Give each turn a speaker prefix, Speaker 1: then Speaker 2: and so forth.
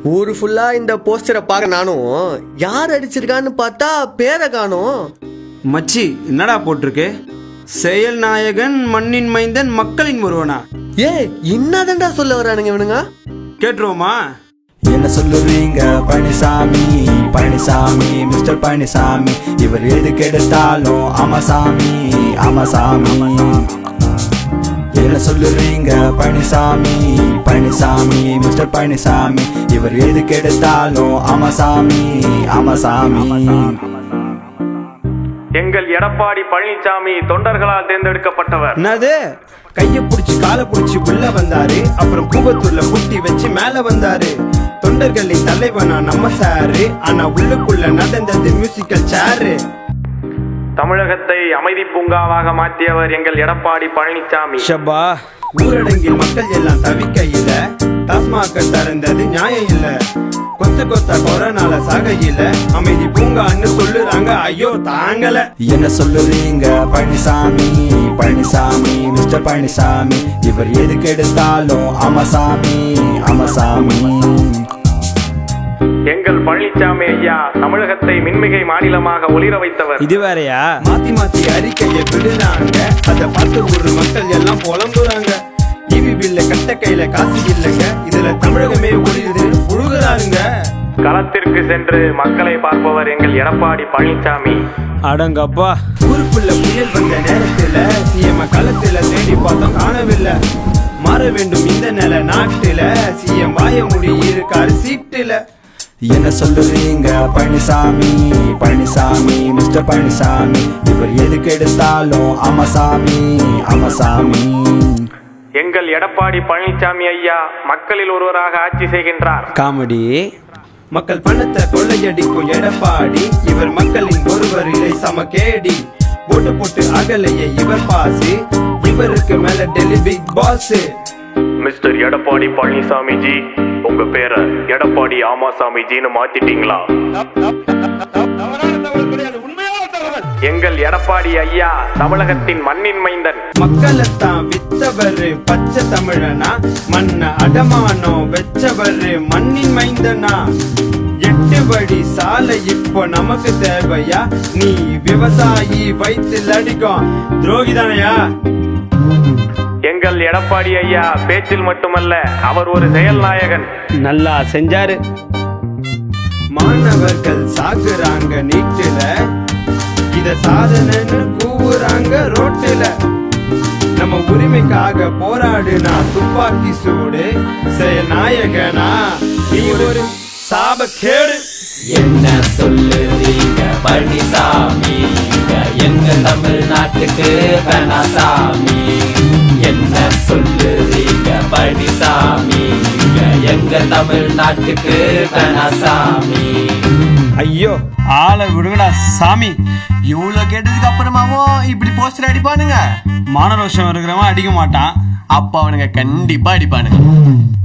Speaker 1: ஊரு ஃபுல்லா இந்த போஸ்டரை பார்க்க நானும் யார் அடிச்சிருக்கான்னு பார்த்தா பேரை காணோம்.
Speaker 2: மச்சி என்னடா போட்டிருக்கு? செயல் நாயகன் மண்ணின் மைந்தன் மக்களின் ஒருவனா?
Speaker 1: என்னதான்டா சொல்ல வரானுங்க இவனுங்க?
Speaker 2: கேட்டுருவோமா?
Speaker 3: என்ன சொல்லுவீங்க பழனிசாமி, பழனிசாமி, மிஸ்டர் பழனிசாமி, இவர் எதுக்கு எடுத்தாலும் ஆமாசாமி, ஆமாசாமி. என்ன சொல்லுவீங்க பழனிசாமி, பழனிசாமி, மிஸ்டர் பழனிசாமி, இவர் எதுக்கு எடுத்தாலும் ஆமாசாமி, ஆமாசாமி.
Speaker 4: எங்கள் எடப்பாடி பழனிசாமி தொண்டர்களால் தேர்ந்தெடுக்கப்பட்டவர்.
Speaker 2: என்னது? கைய புடிச்சு காலை புடிச்சு உள்ள வந்தாரு, அப்புறம் கூவத்தூர்ல புட்டி வச்சு மேல வந்தாரு. தொண்டர்களின் தலைவனா நம்ம சாரு, ஆனா உள்ளுக்குள்ள நடந்தது மியூசிக்கல் சேரு.
Speaker 4: தமிழகத்தை அமைதி பூங்காவாக மாற்றியவர் எங்கள் எடப்பாடி பழனிசாமி.
Speaker 2: ஷபா, ஊரடங்கில் மக்கள் எல்லாம் தவிக்கையில டாஸ்மாக திறந்தது நியாயம் இல்ல. கொத்த கொத்த கொரோனால சாகையில அமைதி பூங்கான்னு சொல்லுறாங்க, ஐயோ தாங்கல.
Speaker 3: என்ன சொல்லுவீங்க பழனிசாமி, பழனிசாமி, மிஸ்டர் பழனிசாமி, இவர் எதுக்கு எடுத்தாலும் ஆமாசாமி, ஆமாசாமி.
Speaker 4: எங்கள் பழனிசாமி ஐயா தமிழகத்தை மின்மிகை மாநிலமாக ஒளிர வைத்தவர்.
Speaker 2: இது வேறையா? மாத்தி மாத்தி அறிக்கையை விடுறாங்க, அதை பார்த்து ஒரு மக்கள் எல்லாம் புலம்புறாங்க. டிவி பில்ல கட்ட கையில காசு இல்லைங்க, இதுல தமிழகமே ஒளிருது புழுகுறாருங்க.
Speaker 4: களத்திற்கு சென்று மக்களை பார்ப்பவர் எங்கள் எடப்பாடி பழனிசாமி.
Speaker 2: அடங்கப்பா, ஊருக்குள்ள புயல் வந்த நேரத்துல சிஎம் களத்துல தேடி பார்த்தோம் காணவில்லை. மாற வேண்டும் இந்த நில நாட்டுல, சிஎம் வாய முடி இருக்காரு சீட்டுல.
Speaker 3: என்ன சொல்லுவீங்க பழனிசாமி, பழனிசாமி, மிஸ்டர் பழனிசாமி, இவர் எதுக்கு எடுத்தாலும் ஆமாசாமி, ஆமாசாமி.
Speaker 4: எங்கள் எடப்பாடி பழனிசாமி ஐயா மக்களில் ஒருவராக ஆட்சி செய்கின்றார்.
Speaker 2: காமெடி. மக்கள் பணத்தை கொள்ளையடிக்கும் எடப்பாடி, இவர் மக்களின் ஒருவர் இல்லை சமகேடி. போட்டு போட்டு அகலையே இவர் பாசு, இவருக்கு மேல Delhi big boss.
Speaker 4: Mister Edappadi Palaniswami ji, உங்க பேரை எடப்பாடி ஆமாசாமி ஜின்னு மாத்திட்டீங்களா? எங்கள் எடப்பாடி ஐயா தமிழகத்தின் மண்ணின் மைந்தன்.
Speaker 2: மக்களைத்தான் வித்தவரு பச்சை தமிழனா, மண்ண அடமானம் வெச்சவரு மண்ணின் மைந்தனா. 8 வழி சாலை இப்போ நமக்கு தேவையா? நீ விவசாயி வயிற்றில் அடிக்கும் துரோகிதானையா?
Speaker 4: எங்கள் எடப்பாடி ஐயா பேச்சில் மட்டுமல்ல, அவர் ஒரு செயல் நாயகன்.
Speaker 2: நல்லா செஞ்சாரு. மாணவர்கள் சாகுறாங்க நீட்டுல, இத சாதனைன்னு கூவுறாங்க ரோட்டுல. நம்ம உரிமைக்காக போராடுனா துப்பாக்கி சூடு, செயல் நாயகனா நீ ஒரு சாபக்கேடு.
Speaker 5: என்ன சொல்லுறீங்க பழனிசாமி, எங்க தமிழ்நாட்டுக்கு பெனாசாமி. என்ன சொல்லுறீங்க பழனிசாமி, எங்க தமிழ்நாட்டுக்கு பெனாசாமி.
Speaker 2: ஐயோ ஆளை விடுங்கடா சாமி.
Speaker 1: இவ்வளவு கேட்டதுக்கு அப்புறமாவும் இப்படி போஸ்டர் அடிப்பானுங்க?
Speaker 2: மானரோஷம் இருக்கிறவன் அடிக்க மாட்டான்,
Speaker 1: அப்ப அவனுங்க கண்டிப்பா அடிப்பானுங்க.